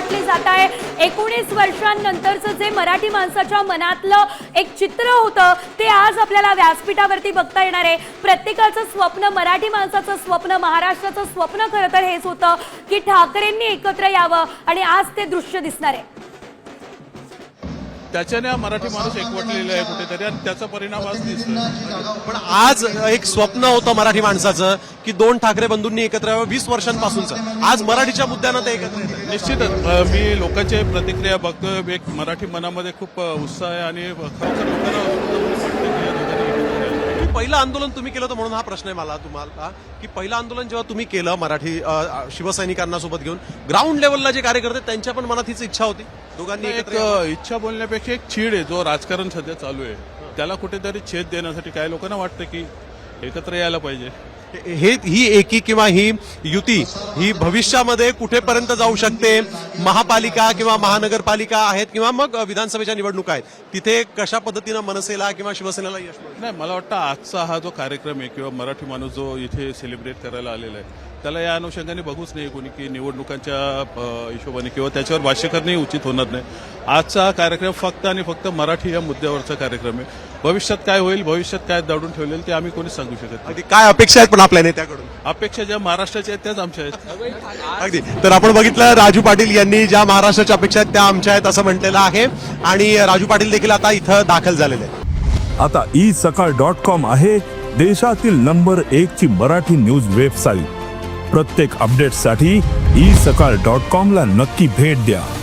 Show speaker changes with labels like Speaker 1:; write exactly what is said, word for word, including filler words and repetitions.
Speaker 1: वाटली जात आहे। एकोणीस वर्षांनंतरचं जे मराठी माणसाच्या मनातलं एक चित्र होतं ते आज आपल्याला व्यासपीठावरती बघता येणार आहे। प्रत्येकाचं स्वप्न, मराठी माणसाचं स्वप्न, महाराष्ट्राचं स्वप्न खरं तर हेच होतं की ठाकरेंनी एकत्र यावं आणि आज ते दृश्य दिसणार आहे।
Speaker 2: त्याच्याने मराठी माणूस एकवटलेला आहे कुठेतरी आणि त्याचा परिणाम आज दिसतोय।
Speaker 3: पण आज एक स्वप्न होतं मराठी माणसाचं की दोन ठाकरे बंधूंनी एकत्र यावं, वीस वर्षांपासूनचं। आज मराठीच्या मुद्द्यानं ते एकत्र येतात।
Speaker 2: निश्चितच अ, मी लोकांचे प्रतिक्रिया बघतोय, एक मराठी मनामध्ये खूप अ, उत्साह आहे आणि खरोखर लोकांना वाटतं की या दोघांनी एकत्र यावं।
Speaker 3: पहिलं आंदोलन तुम्ही केलं होतं म्हणून हा प्रश्न आहे मला तुम्हाला की पहिलं आंदोलन जेव्हा तुम्ही केलं मराठी अ, शिवसैनिकांना सोबत घेऊन, ग्राउंड लेवलला जे कार्यकर्ते त्यांच्या पण मनात हीच इच्छा होती दोघांनी
Speaker 2: एक
Speaker 3: एकत्र यावं?
Speaker 2: अ, इच्छा बोलण्यापेक्षा एक चीड आहे, जो राजकारण सध्या चालू आहे त्याला कुठेतरी छेद देण्यासाठी काही लोकांना वाटतं की एकत्र यायला पाहिजे।
Speaker 3: हे ही एकी किंवा ही युती ही भविष्यामध्ये कुठेपर्यंत जाऊ शकते? महापालिका किंवा महानगरपालिका आहेत किंवा मग विधानसभेच्या निवडणुका आहेत, तिथे कशा पद्धतीनं मनसेला किंवा शिवसेनेला यश मिळेल?
Speaker 2: नाही, मला वाटतं आजचा हा जो कार्यक्रम आहे किंवा मराठी माणूस जो इथे सेलिब्रेट करायला आलेला आहे त्याला या अनुषंगाने बघूच नाही कोणी की निवडणुकांच्या अ, हिशोबाने किंवा त्याच्यावर भाष्य करणे उचित होणार नाही। आजचा कार्यक्रम फक्त आणि फक्त मराठी या मुद्द्यावरचा कार्यक्रम आहे। भविष्यात काय होईल, भविष्यात काय दडून ठेवलेलं ते आम्ही कोणीच सांगू शकत नाही।
Speaker 3: अगदी काय अपेक्षा आहेत पण आपल्या नेत्याकडून?
Speaker 2: अपेक्षा ज्या महाराष्ट्राच्या आहेत त्याच आमच्या आहेत।
Speaker 3: अगदी। तर आपण बघितलं राजू पाटील यांनी ज्या महाराष्ट्राच्या अपेक्षा आहेत त्या आमच्या आहेत असं म्हटलेलं आहे आणि राजू पाटील देखील आता इथं दाखल झालेले आहेत।
Speaker 4: आता ई सकाळ डॉट कॉम आहे देशातील नंबर एक ची मराठी न्यूज वेबसाईट। प्रत्येक अपडेटसाठी ई सकाळ डॉट कॉम ला नक्की भेट द्या।